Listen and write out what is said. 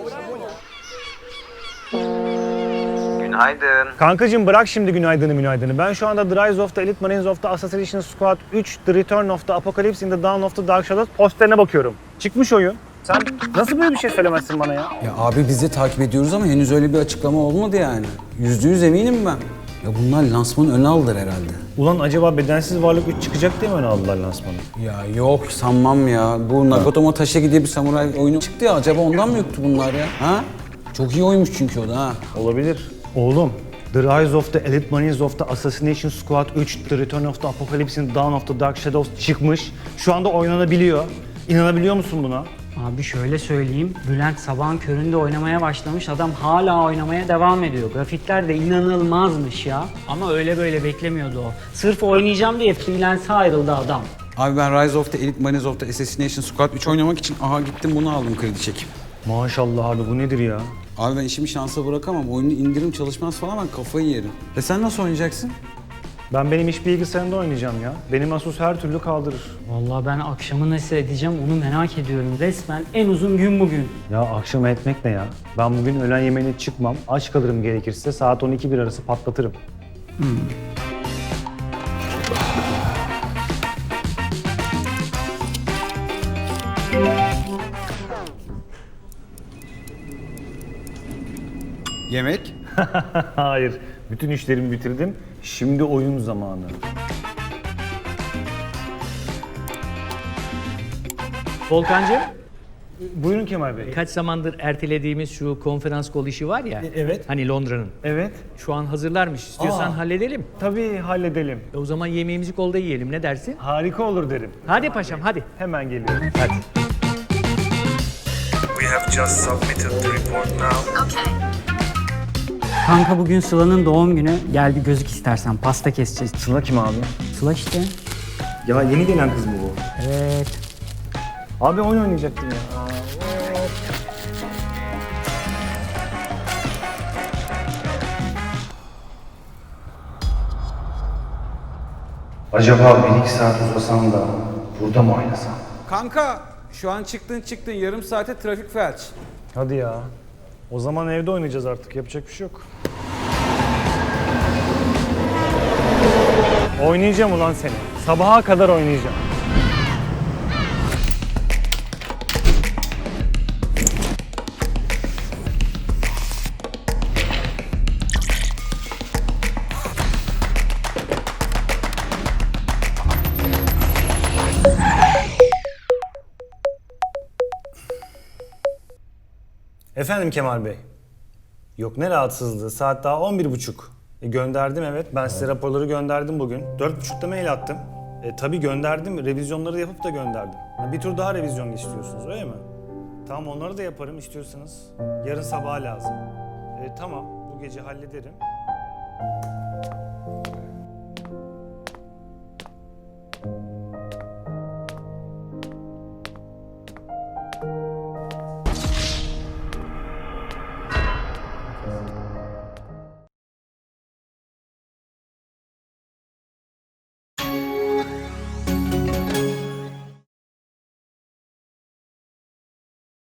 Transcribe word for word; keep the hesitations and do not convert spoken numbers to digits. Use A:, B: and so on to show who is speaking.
A: Günaydın.
B: Kankacığım bırak şimdi günaydını günaydını. Ben şu anda The Rise of the Elite Marines of the Assassination Squad üç The Return of the Apocalypse in the Dawn of the Dark Shadows posterine bakıyorum. Çıkmış oyun. Sen nasıl böyle bir şey söylemezsin bana ya?
C: Ya abi biz de takip ediyoruz ama henüz öyle bir açıklama olmadı yani. Yüzde yüz eminim ben. Ya bunlar lansmanın önüne aldılar herhalde.
B: Ulan acaba Bedensiz Varlık üç çıkacak diye mi öne aldılar lansmanı?
C: Ya yok sanmam ya. Bu Nakatomo Taşegi diye bir samuray oyunu çıktı ya. Acaba ondan mı yoktu bunlar ya? Ha? Çok iyi oymuş çünkü o da ha.
B: Olabilir. Oğlum, The Rise of the Elite Marines of the Assassination Squad üç, The Return of the Apocalypse in the Dawn of the Dark Shadows çıkmış. Şu anda oynanabiliyor. İnanabiliyor musun buna?
D: Abi şöyle söyleyeyim, Bülent sabahın köründe oynamaya başlamış, adam hala oynamaya devam ediyor. Grafikler de inanılmazmış ya. Ama öyle böyle beklemiyordu o. Sırf oynayacağım diye freelance'a ayrıldı adam.
C: Abi ben Rise of the Elite Marines of the Assassination Squad üç oynamak için aha gittim bunu aldım kredi çekip.
B: Maşallah abi bu nedir ya?
C: Abi ben işimi şansa bırakamam. Oyunu indirim çalışmaz falan ben kafayı yerim. E sen nasıl oynayacaksın?
B: Ben benim iş bilgisayarında oynayacağım ya. Benim Asus her türlü kaldırır.
D: Vallahi ben akşamı nasıl edeceğim onu merak ediyorum. Resmen en uzun gün bugün.
B: Ya akşam etmek ne ya? Ben bugün öğlen yemeğine çıkmam. Aç kalırım gerekirse. Saat on iki bir arası patlatırım.
C: Yemek?
B: Hayır. Bütün işlerimi bitirdim. Şimdi oyun zamanı.
E: Volkancığım,
B: Buyurun Kemal Bey.
E: kaç zamandır ertelediğimiz şu konferans kol işi var ya.
B: evet.
E: Hani Londra'nın.
B: Evet.
E: Şu an hazırlarmış. İstiyorsan
B: Aa.
E: halledelim.
B: Tabii halledelim.
E: E o zaman yemeğimizi kolda yiyelim. Ne dersin?
B: Harika olur derim.
E: Hadi paşam hadi.
B: Hemen geliyorum.
E: Hadi.
F: We have just submitted the report now.
D: Kanka bugün Sıla'nın doğum günü. Gel bir gözük istersen, pasta keseceğiz.
B: Sıla kim abi?
D: Sıla işte.
B: Ya yeni gelen kız mı bu?
D: Evet.
B: Abi oyun oynayacaktım ya. Acaba bir iki saat uzasam da burada mı oynasam?
C: Kanka şu an çıktın çıktın yarım saate trafik felç.
B: Hadi ya. O zaman evde oynayacağız artık. Yapacak bir şey yok. Oynayacağım ulan seni. Sabaha kadar oynayacağım. Efendim Kemal Bey. Yok ne rahatsızlığı. Saat daha on bir buçuk. E, gönderdim evet. Ben size raporları gönderdim bugün. Dört buçukta mail attım. E, tabii gönderdim. Revizyonları yapıp da gönderdim. Ha, bir tur daha revizyon istiyorsunuz öyle mi? Tamam onları da yaparım istiyorsanız. Yarın sabaha lazım. E, tamam bu gece hallederim.